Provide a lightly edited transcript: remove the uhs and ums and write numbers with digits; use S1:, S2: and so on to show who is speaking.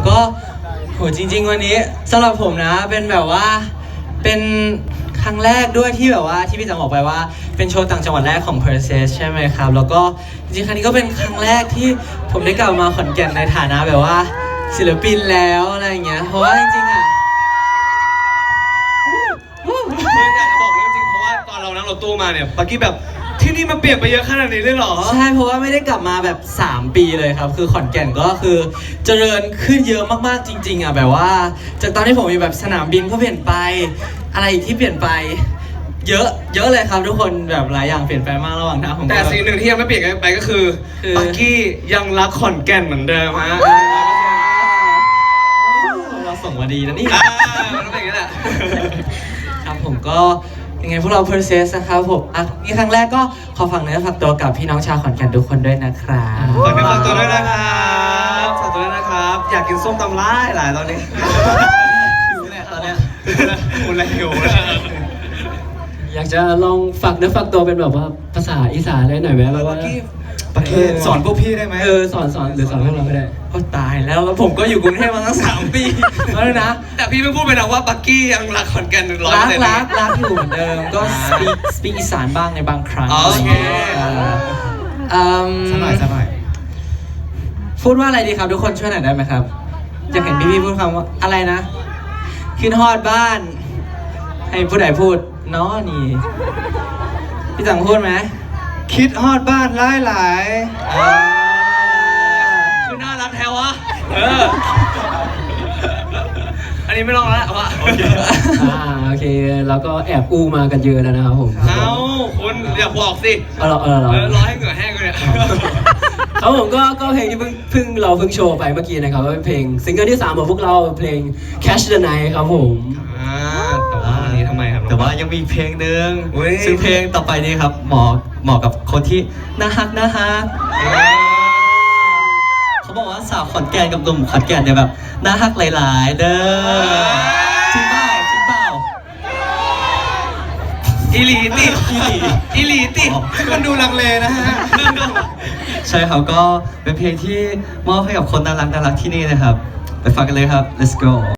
S1: ก็โหจริงๆวันนี้สำหรับผมนะเป็นแบบว่าเป็นครั้งแรกด้วยที่แบบว่าที่พี่จังบอกไปว่าเป็นโชว์ต่างจังหวัดแรกของ Perses ใช่ไหมครับแล้วก็จริงๆครั้งนี้ก็เป็นครั้งแรกที่ผมได้กลับมาขอนแก่นในฐานะแบบว่าศิลปินแล้วอะไรอย่างเงี้ยเพราะว่าจริงๆอ่ะ
S2: อยากจะบอกเรื่องจริงเพราะว่าตอนเรานั่งรถตู้มาเนี่ยปักกี้แบบที่นี่มันเปลี่ยนไปเยอะขนาดนี้เลยเหรอ
S1: ใช่เพราะว่าไม่ได้กลับมาแบบ3 ปีเลยครับคือขอนแก่นก็คือเจริญขึ้นเยอะมากๆจริงๆอ่ะแบบว่าจากตอนที่ผมอยู่แบบสนามบินก็เปลี่ยนไปอะไรอีกที่เปลี่ยนไปเยอะเลยครับทุกคนแบบหลายอย่างเปลี่ยนไปมากระหว่างทางผม
S2: แต่สิ่งหนึ่งที่ยังไม่เปลี่ยนไปก็คือปักกี้ยังรักขอนแก่นเหมือนเดิมฮะ
S1: เราส่งมาดีนะนี่
S2: มันเป็นอย่างนี้แหละ
S1: ครับผมก็ยังไงพวกเรา Perses นะครับผมนี่ครั้งแรกก็ขอฝากเนื้อฝากตัวกับพี่น้องชาวขอนแก่นทุกคนด้วยนะครับ
S2: ฝากเนื้อฝากตัวด้วยนะครับฝากตัวด้วยนะครับอยากกินส้มตำร้ายหลายตอนนี้หิวเลยตอนเนี้ยหิวเลย
S3: อยากจะลองฝากเนื้อฝากตัวเป็นแบบว่าภาษาอีสานได้หน่อยไหมแบบว่า
S2: ปักกี้สอนพวกพี่ได้ไหม
S3: สอนหรือสอนพวกเราไม่ได้
S1: โอ้ตายแล้วผมก็อยู่กรุงเทพมาตั้ง3 ปีแล้วนะ
S2: แต่พี่ไม่พูดไปนะว่าปักกี้ยังรักขอนแก่น100%
S1: รักอยู่เหมือนเดิมก็ speak อีสานบ้างในบางครั้ง
S2: โอเค
S1: สักหน่อยพูดว่าอะไรดีครับทุกคนช่วยหน่อยได้ไหมครับอยากเห็นพี่พูดคำว่าอะไรนะขึ้นฮอดบ้านให้ผู้ใดพูดเนาะนี่พี่จังพูดไหม
S2: คิดฮอดบ้านหลายคือน่ารักแท้วะอันนี้ไม่ลองแล้ววะ
S3: โอเคแล้วก็แอบอู้มากันเยอะแล้วนะครับผม
S2: คุณอย่าบอกสิ
S3: รอ
S2: ให้เหงื่อแห้งเลย
S3: ครับผมก็เพลงที่เพิ่งโชว์ไปเมื่อกี้นะครับเป็นเพลงซิงเกิลที่3ของพวกเราเพลง Catch the Night ครับผม
S2: แต่ว่าอันนี้ทำไมครับ
S4: แต่ว่ายังมีเพลงหนึ่งซึ่งเพลงต่อไปนี้ครับเหมาะกับคนที่น่าฮักเขาบอกว่าสาวขอนแก่นกับหนุ่มขอนแก่นเนี่ยแบบน่าฮักหลายๆเด้อจริงเปล่า
S2: อีหลีติมันดูลังเลนะฮะ
S4: ใช่ครับก็เป็นเพลงที่มอบให้กับคนน่ารักที่นี่นะครับไปฟังกันเลยครับ let's go